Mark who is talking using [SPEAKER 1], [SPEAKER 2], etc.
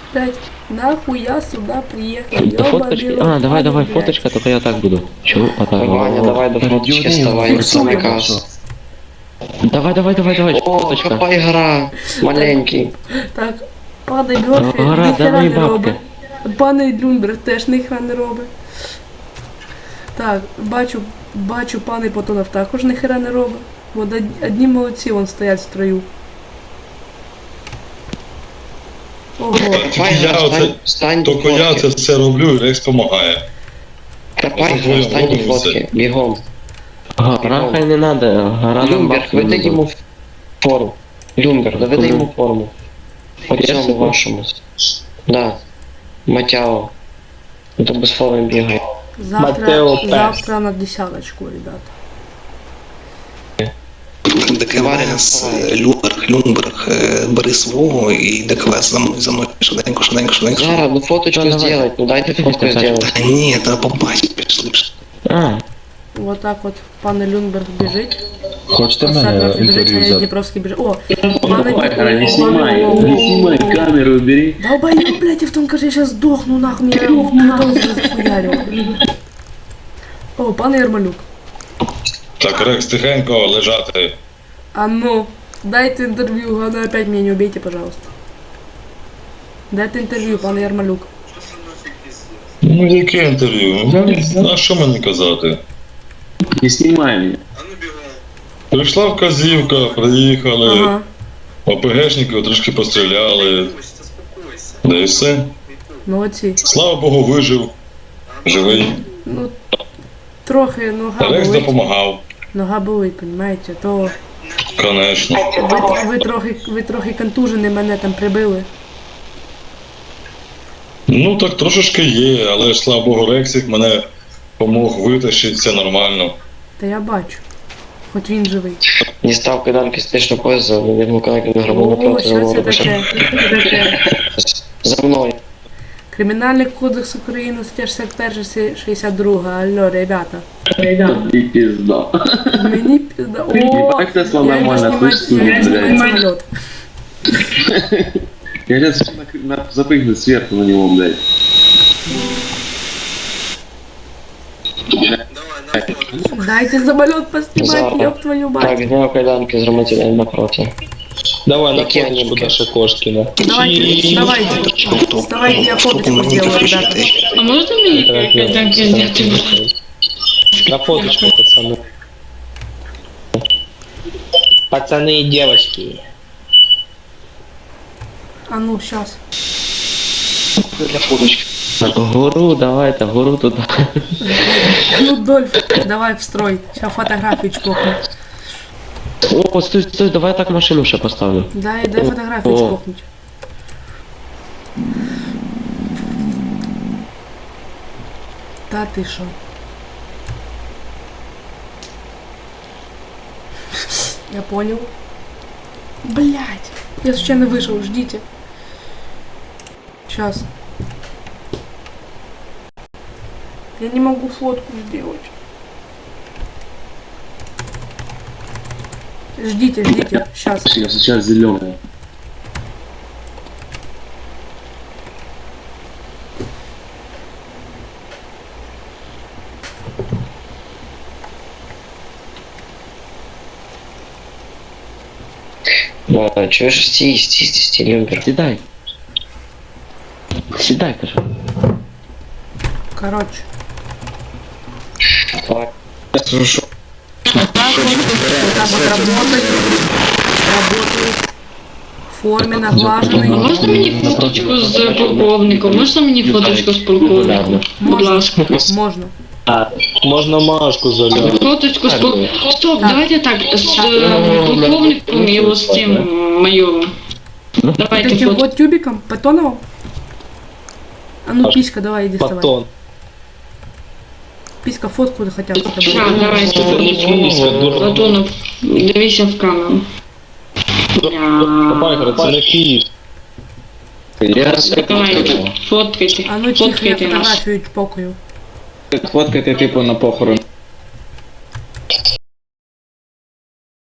[SPEAKER 1] Блять, нахуй я сюда приехал,
[SPEAKER 2] До фоточки? А, давай, фоточка, только я так буду. Чего? А так,
[SPEAKER 3] Ваня, давай до фоточки вставай,
[SPEAKER 1] Фиксуй.
[SPEAKER 3] наказ.
[SPEAKER 2] Давай,
[SPEAKER 3] О,
[SPEAKER 2] фоточка.
[SPEAKER 3] какая гра, маленький.
[SPEAKER 1] Так, пане Бьорфі,
[SPEAKER 2] Гора,
[SPEAKER 1] ніхера
[SPEAKER 2] дай
[SPEAKER 1] не
[SPEAKER 2] мої
[SPEAKER 1] робить. Пане Люнберг теж ніхера не робить. Так, бачу, пане Потонов також ніхера не робить. От одні молодці вон стоять в строю. Ого.
[SPEAKER 3] Копай гра, встань до
[SPEAKER 4] Тільки я це
[SPEAKER 3] фотки.
[SPEAKER 4] все роблю, і Рекс допомагає.
[SPEAKER 3] Копай гра, встань до фотки, бігом.
[SPEAKER 2] Гора хай не надо, гора нам
[SPEAKER 3] Люмберг,
[SPEAKER 2] бабки
[SPEAKER 3] веди
[SPEAKER 2] не
[SPEAKER 3] йому форму. Люмберг, доведи йому форму. По цьому
[SPEAKER 2] Ясно.
[SPEAKER 3] вашому. Да. Матяо. То без форми бігає.
[SPEAKER 1] Завтра на десяточку, ребята.
[SPEAKER 5] ДКВС, Люмберг, бери свого і ДКВС за мною швиденько.
[SPEAKER 3] Зараз, ну фоточку
[SPEAKER 2] Давай.
[SPEAKER 3] сделать, ну дайте фотку сделать.
[SPEAKER 5] Та ні, треба побачити, пішли.
[SPEAKER 2] А,
[SPEAKER 1] Вот так вот пане Люнберг біжить.
[SPEAKER 6] Хочете
[SPEAKER 1] Саме
[SPEAKER 6] мене
[SPEAKER 1] біжить,
[SPEAKER 6] інтерв'ю
[SPEAKER 1] а
[SPEAKER 6] взяти?
[SPEAKER 1] Дніпровський біжить. О, пане
[SPEAKER 7] Не снимай камеру убери.
[SPEAKER 1] Долбоёб, блядь, я в том, кажется, я сейчас сдохну, нахуй, меня потом захуярил. О, пане Ярмолюк.
[SPEAKER 4] Так, Рекс, тихенько лежати.
[SPEAKER 1] А ну, дайте интервью, главное, опять меня не убейте, пожалуйста. Дайте интервью, пане Ярмолюк.
[SPEAKER 4] Ну, яке інтерв'ю? Ну, а що мені казати?
[SPEAKER 7] Не снимай меня.
[SPEAKER 4] Прийшла вказівка, приїхали,
[SPEAKER 1] Ага.
[SPEAKER 4] ОПГшників трошки постріляли. Да і все.
[SPEAKER 1] Молодці.
[SPEAKER 4] Слава Богу, вижив. Живий.
[SPEAKER 1] Ну, трохи нога
[SPEAKER 4] Рекс
[SPEAKER 1] болить.
[SPEAKER 4] допомагав,
[SPEAKER 1] Нога болить, понимаете, то
[SPEAKER 4] конечно.
[SPEAKER 1] ви трохи контужені, мене там прибили.
[SPEAKER 4] Ну так трошечки є, але ж слава Богу, Рексик мене помог витащити, все нормально.
[SPEAKER 1] Та я бачу. Хоч він живий.
[SPEAKER 3] Не став киданки стиш рукою за невірну канаки на гробу
[SPEAKER 1] О,
[SPEAKER 3] напроти.
[SPEAKER 1] що це таке?
[SPEAKER 3] За мною.
[SPEAKER 1] Кримінальний кодекс України, стаття 61, 62. Алло, ребята.
[SPEAKER 7] И пизда.
[SPEAKER 1] Мені пізда. О,
[SPEAKER 7] Ебать, Тесла
[SPEAKER 1] я йду
[SPEAKER 7] нормально,
[SPEAKER 1] знімати,
[SPEAKER 7] слышь,
[SPEAKER 1] я йду знімати
[SPEAKER 7] блядь.
[SPEAKER 1] самоліт.
[SPEAKER 7] Я сейчас запрыгну сверху на него, блядь.
[SPEAKER 1] Дайте самоліт поснімати,
[SPEAKER 3] Запах.
[SPEAKER 1] ёб твою мать.
[SPEAKER 3] Так, зняв кайданки з громадянина напроти.
[SPEAKER 6] Давай на
[SPEAKER 3] Які
[SPEAKER 6] фоточку
[SPEAKER 3] анімки?
[SPEAKER 6] Даша Кошкіна.
[SPEAKER 1] Давайте, вставайте, я фоточку сделаю, ребята.
[SPEAKER 8] А можна мені кайданки зняти?
[SPEAKER 6] На фоточку, пацаны. Пацаны и девочки.
[SPEAKER 1] А ну, щас.
[SPEAKER 2] гору давайте, гору туди.
[SPEAKER 1] Ну, Дольф, давай в строй. Сейчас фотографию чпокну.
[SPEAKER 2] О, стой, давай я так машину ще поставлю.
[SPEAKER 1] Дай фотографию
[SPEAKER 2] О.
[SPEAKER 1] чпокнуть. Та ти шо? Я понял. Блять, я случайно вышел, ждите. Сейчас. Я не могу фотку сделать. Ждите, сейчас.
[SPEAKER 7] Я сейчас зеленая.
[SPEAKER 3] Чуєш, стій, Люмберг.
[SPEAKER 2] Сідай, кажу.
[SPEAKER 1] Короче.
[SPEAKER 3] Так.
[SPEAKER 1] Вот так вот работает. В форме
[SPEAKER 8] А
[SPEAKER 1] наглаженный.
[SPEAKER 8] можна мені фоточку з полковником? Можна мені фоточку з полковником? Будь ласка.
[SPEAKER 1] Можно.
[SPEAKER 6] Можно Машку заляпать.
[SPEAKER 8] Фоточку з полковником. Стоп, давайте так, з полковником і ось з тим майором.
[SPEAKER 1] Вот
[SPEAKER 8] Давайте
[SPEAKER 1] этим
[SPEAKER 8] фотку.
[SPEAKER 1] вот тюбиком, Патоновым. А ну, писька, давай, иди вставай.
[SPEAKER 6] Батон.
[SPEAKER 1] Писька, фотку хотя бы с тобой.
[SPEAKER 8] Так, давайте. Платонов, дивися в камеру.
[SPEAKER 6] Копай, це не Київ.
[SPEAKER 8] Давайте, фоткайте.
[SPEAKER 1] А ну, тихо, я
[SPEAKER 8] Фоткайте нас.
[SPEAKER 1] фотографию чпокаю.
[SPEAKER 9] Фоткайте типу на похорон.